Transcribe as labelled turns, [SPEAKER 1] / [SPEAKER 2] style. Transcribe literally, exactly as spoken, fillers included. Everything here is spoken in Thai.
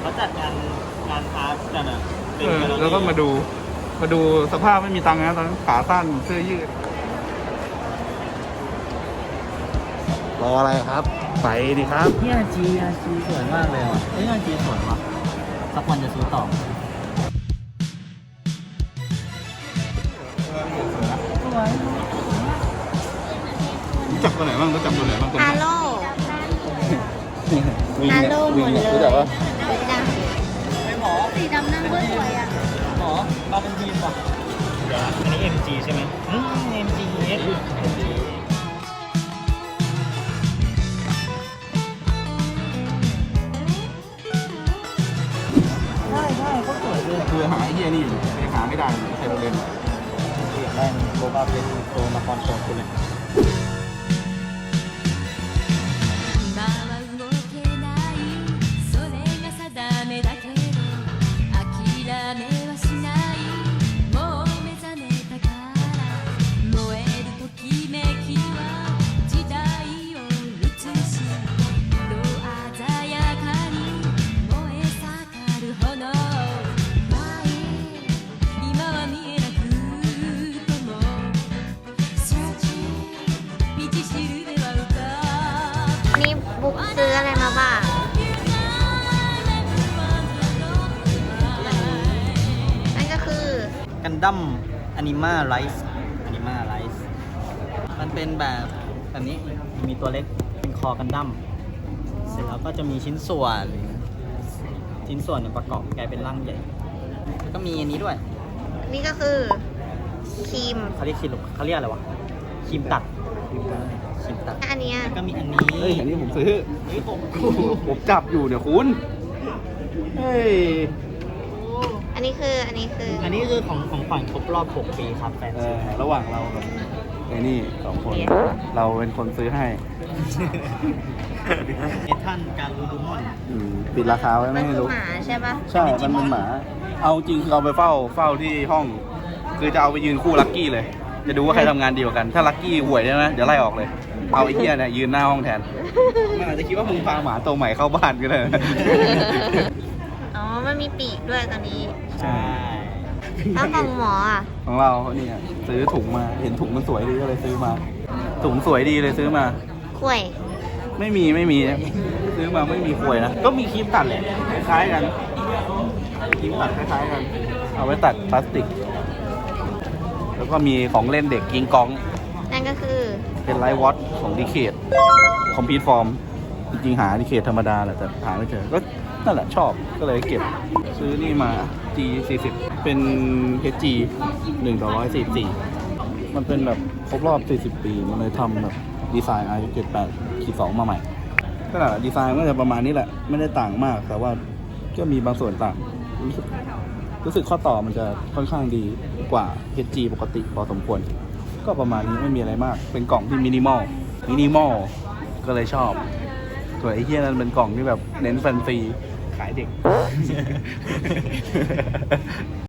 [SPEAKER 1] เขาจัดงานงานพาร์ทกันอ่ะ
[SPEAKER 2] เออแล้วก็มาดูมาดูสภาพไม่มีตังค์นะตอนนั้นขาสั้นเสื้อยืดรออะไรครับ ไปดิครับ
[SPEAKER 1] นี่อาจีอาจีสวยมากเลยอ่ะเอ้ยอาจีสวยวะสักวันจะซื้อต่อสวย
[SPEAKER 2] รู้จักตัวไหนบ้างรู้จักตัวไหนบ้างตัว
[SPEAKER 3] ฮา
[SPEAKER 2] นี้
[SPEAKER 3] โล
[SPEAKER 2] วิ่ง
[SPEAKER 3] ฮา
[SPEAKER 2] เนี่ย
[SPEAKER 3] โลหม
[SPEAKER 2] วิ่ง
[SPEAKER 3] ดเล
[SPEAKER 2] เนี่ย
[SPEAKER 3] ย
[SPEAKER 2] รู้จักปะ
[SPEAKER 3] รู้จัก
[SPEAKER 1] ไม่หมอ
[SPEAKER 3] สีดำนั่งก็สวยอ่ะ
[SPEAKER 1] หมอมาเป็นทีมป่ะเดี๋ยวอันนี้ เอ็ม จี ใช่ไหมอืม เอ็ม จี เอส ใช่ใช่ก็สวยเลย
[SPEAKER 2] คือหาไอ้เหี้ยนี่อยู่ยังหาไม่ได้ใครโดนเล่น
[SPEAKER 1] อยากได้โลบาเป็นโตนครโชนคุณเลย
[SPEAKER 4] 今は動けないそれが定めだけど諦めはしないもう目覚めたから燃えるときめきは時代を映し色鮮やかに燃え盛る炎今は見えなくとも Searching 道しるべは歌う
[SPEAKER 3] นี่บุ๊กซื้ออะไรมาบ้าง นั่นก็คือ
[SPEAKER 1] กันดั้มอนิมาไลฟ์อนิมาไลฟ์มันเป็นแบบแบบนี้มีตัวเล็กเป็นคอกันดั้มเสร็จแล้วก็จะมีชิ้นส่วน ชิ้นส่วนเนี่ยประกอบกลายเป็นร่างใหญ่แล้วก็มีอันนี้ด้วย
[SPEAKER 3] นี่ก็คือครีม
[SPEAKER 1] เขาเรียกครีมเขาเรียกอะไรวะครีมตัดครีมตัด
[SPEAKER 3] อันเนี้ย
[SPEAKER 1] แล้วก็มีอันนี้
[SPEAKER 2] เฮ้ยอันนี้ผมซื้อ
[SPEAKER 1] เฮ้ยผม
[SPEAKER 2] ผมจับอยู่เนี่ยคุณเฮ้ย
[SPEAKER 3] อันนี้คือ อันนี้คือ
[SPEAKER 1] อันนี้คือของของขวัญครบรอบหกปีครับแฟน
[SPEAKER 2] เอ
[SPEAKER 1] ซี
[SPEAKER 2] อระหว่างเรากับไอ้นี่สองคน
[SPEAKER 3] เนี่ย
[SPEAKER 2] เราเป็นคนซื้อให้
[SPEAKER 1] เอทันการูดูมอน
[SPEAKER 2] อืมปิดราคาไว้
[SPEAKER 3] มั
[SPEAKER 2] ไม่
[SPEAKER 3] น
[SPEAKER 2] ให้
[SPEAKER 3] คือ
[SPEAKER 2] รู้
[SPEAKER 3] หมาใช่ปะ
[SPEAKER 2] ใช่ มันเป็นหมา เอาจริงคือเอาไปเฝ้าเฝ้าที่ห้อง คือจะเอาไปยืนคู่ลักกี้เลย จะดูว่าใครทำงานดีกว่ากัน ถ้าลักกี้ห่วยใช่ไหมเดี๋ยวไล่ออกเลย เอาไอ้เหี้ยเนี่ยยืนหน้าห้องแทน มันอาจจะคิดว่ามึงพาหมาตัวใหม่เข้าบ้านก็ได้
[SPEAKER 3] อ๋อ มันมีปีกด้วยตอนนี้
[SPEAKER 1] ใช่
[SPEAKER 3] ถ้าของหมออ่ะ
[SPEAKER 2] ของเราเนี่ยซื้อถุงมา เห็นถุงมันสวยดีก็เลยซื้อมา ถุงสวยดีเลยซื้อมา
[SPEAKER 3] ข่วย
[SPEAKER 2] ไม่มีไม่มีซื้อมาไม่มีขวยนะ ก็มีครีมตัดแหละคล้ายๆกันครีมตัดคล้ายๆกัน เอาไว้ตัดพลาสติก แล้วก็มีของเล่นเด็กกิงกอง
[SPEAKER 3] นั่นก็คือ
[SPEAKER 2] เป็นไลท์วอตของดีเคทคอมพิวฟอร์มจริงๆหาดีเคทธรรมดาแหละแต่หาไม่เจอ ก็นั่นแหละชอบก็เลยเก็บ ซื้อนี่มา จี สี่สิบ เป็น เอช จี หนึ่งต่อหนึ่งร้อยสี่สิบสี่ มันเป็นแบบครบรอบ สี่สิบ ปี มันเลยทำแบบดีไซน์ ไอ เจ็ดแปด สอง มาใหม่ ก็แหละดีไซน์ก็จะประมาณนี้แหละ ไม่ได้ต่างมาก แต่ว่าก็มีบางส่วนต่าง รู้สึกรู้สึกข้อต่อมันจะค่อนข้างดีกว่า เอช จี ปกติพอสมควร ก็ประมาณนี้ไม่มีอะไรมาก เป็นกล่องที่มินิมอล มินิมอล ก็เลยชอบ ส่วนไอ้เหี้ยนั้นเป็นกล่องที่แบบเน้นแฟนซีขายเด็ก